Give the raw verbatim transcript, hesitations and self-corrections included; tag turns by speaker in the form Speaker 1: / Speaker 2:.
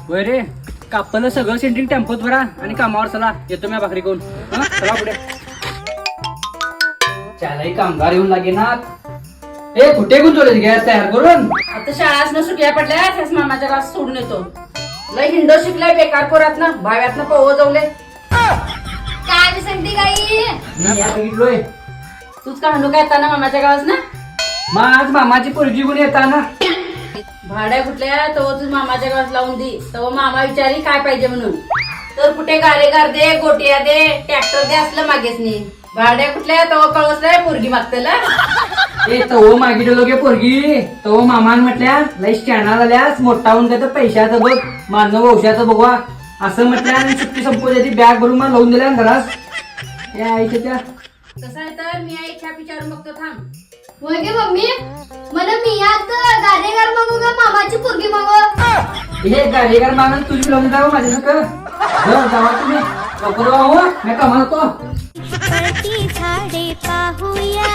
Speaker 1: होय रे, कापलं सगळं सेंट्रिंग टेम्पोत भरा आणि कामावर चला. येतो मी भाकरी कोण चला पुढे. त्यालाही कामगार येऊन लागे ना. ए कुठे गुंतवले गॅस तयार करून?
Speaker 2: आता शाळाच न सुट्या पडल्या त्याच मामाच्या गावात सोडून येतो. लय हिंडो शिकलाय बेकार पोरात ना भाव्यात ना पवो जाऊले.
Speaker 3: काय सांगते गाई?
Speaker 1: मी या बघितलोय.
Speaker 2: तूच का हंडू काय येताना मामाच्या गावात ना
Speaker 1: मग आज मामाची पोरगी गुण येता ना.
Speaker 2: भाड्या कुठल्या तो तू मामाच्या गावात लावून दे. तो मामा विचारी काय पाहिजे म्हणून. तर कुठे गारेगार दे, गोटिया दे, ट्रॅक्टर दे असलं मागेच नाही. भाड्या कुठल्या तो कळवसलाय पोरगी मागतेला.
Speaker 1: ए तो मागितलो गे पोरगी. तो मामान म्हटल्या लई स्टँडा झाल्यास मोठा होऊन काय तर पैशाचं बघ मानव वंशाचं बघवा असं म्हटल्या आणि सुट्टी संपवली. बॅग भरून मला लावून दिल्या घरात. या आईच्या त्या
Speaker 2: कसं आहे तर मी आई छाप विचारून बघतो थांब.
Speaker 3: होय गे मम्मी, मला मी आता गाडेगार मागू का मामाची पोरगी मागू?
Speaker 1: हे गाडीगार मागून तुझी लावून जावं माझ्या सगळं जावा तुम्ही लवकर हो मी कामाला तो.
Speaker 4: झाडे पाहूया